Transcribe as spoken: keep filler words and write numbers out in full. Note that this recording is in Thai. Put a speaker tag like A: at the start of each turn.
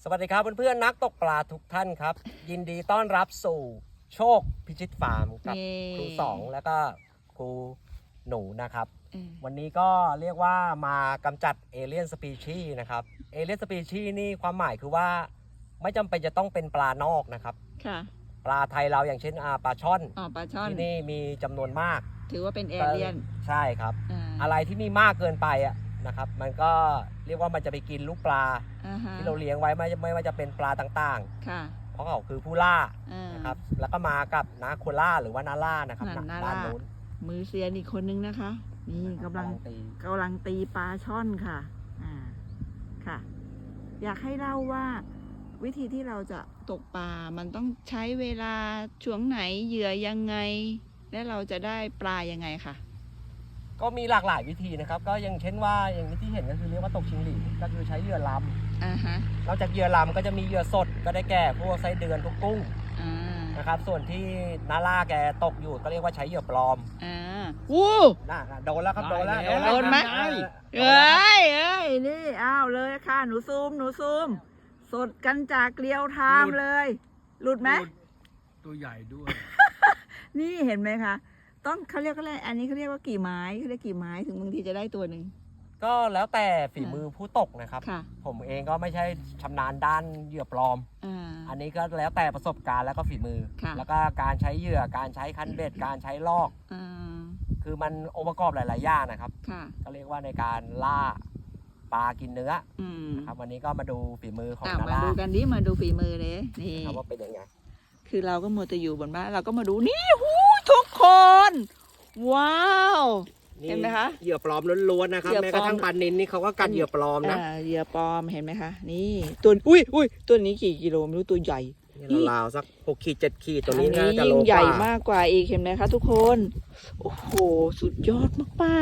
A: สวัสดีครับเพื่อนๆนักตกปลาทุกท่านครับยินดีต้อนรับสู่โชคพิชิตฟาร์มกับครูสองแล้วก็ครูหนูนะครับวันนี้ก็เรียกว่ามากำจัดเอเลี่ยนสปีชีส์นะครับเอเลี่ยนสปีชีส์นี่ความหมายคือว่าไม่จำเป็นจะต้องเป็นปลานอกนะครับ
B: ค่ะ
A: ปลาไทยเราอย่างเช่นปลาช่อน
B: อ๋อปลาช่อน
A: ที่นี่มีจำนวนมาก
B: ถือว่าเป็นเอเลี่ยน
A: ใช่ครับออะไรที่มีมากเกินไปอ่ะนะครับมันก็เรียกว่ามันจะไปกินลูกปลาที่เราเลี้ยงไว้ไม่ไม่ว่าจะเป็นปลาต่างๆเพราะเขาคือผู้ล่านะครับแล้วก็มากับนาโคล่าหรือว่านาล่านะครับด้านนู้น
B: มือเซียนอีกคนนึงนะคะนี่กำลังกำลังตีปลาช่อนค่ะอ่าค่ะอยากให้เล่าว่าวิธีที่เราจะตกปลามันต้องใช้เวลาช่วงไหนเหยื่อยังไงและเราจะได้ปลายังไงค่ะ
A: ก็มีหลากหลายวิธีนะครับก็อย่างเช่นว่าอย่างที่เห็นก็คือเรียกว่าตกชิงหลีก็คือใช้เหยื่อลำอ่าฮะนอกจากเหยื่อลำก็จะมีเหยื่อสดก็ได้แก่พวกไส้เดือนพวกกุ้งนะครับส่วนที่นาล่าแกตกอยู่ก็เรียกว่าใช้เหยื่อปลอม
B: อ่าวู้
A: น่าโดนแล้วครับโดนแล้ว
B: โดนไหมเอ้ยเอ้ยนี่อ้าวเลยค่ะหนูซูมหนูซูมสดกันจากเกลียวไทม์เลยหลุดไหม
C: ตัวใหญ่ด้วย
B: นี่เห็นไหมคะต้องเขาเรียกอะไรอันนี้เขาเรียกว่ากี่ไม้เขาเรียกกี่ไม้ถึงบางทีจะได้ตัวหนึ่ง
A: ก็แล้วแต่ฝีมือผู้ตกนะครับผมเองก็ไม่ใช่ชำนาญด้านเหยื่อปลอมอันนี้ก็แล้วแต่ประสบการณ์แล้วก็ฝีมือแล้วก็การใช้เหยื่อการใช้คันเบ็ดการใช้ลอกคือมันองค์ประกอบหลายๆอย่างนะครับก็เรียกว่าในการล่าปลากินเนื้อนะครับวันนี้ก็มาดูฝีมือของนาล่า
B: มาดูกันดิมาดูฝีมือเลยนี่
A: ว่าเป็นยังไง
B: คือเราก็มัวแต่อยู่บนบ้านเราก็มาดูนี่หูทุกคน ว้าวเห็นไหมคะ
A: เหยื่อปลอมล้วนๆนะครับแม้กระทั่งปลานิลนี่เขาก็กันเหยื่อปลอมนะ
B: เหยื่อปลอมเห็นไหมคะนี่ตัวอุ้ยอุ้ยตัวนี้กี่กิโลไม่รู้ตัวใหญ่
A: ราวๆสักหกขีดเจ็ดขีดตัวนี้
B: น่าจะยิ่งใหญ่มากกว่าอีกเห็นไหมคะทุกคนโอ้โหสุดยอดมากๆ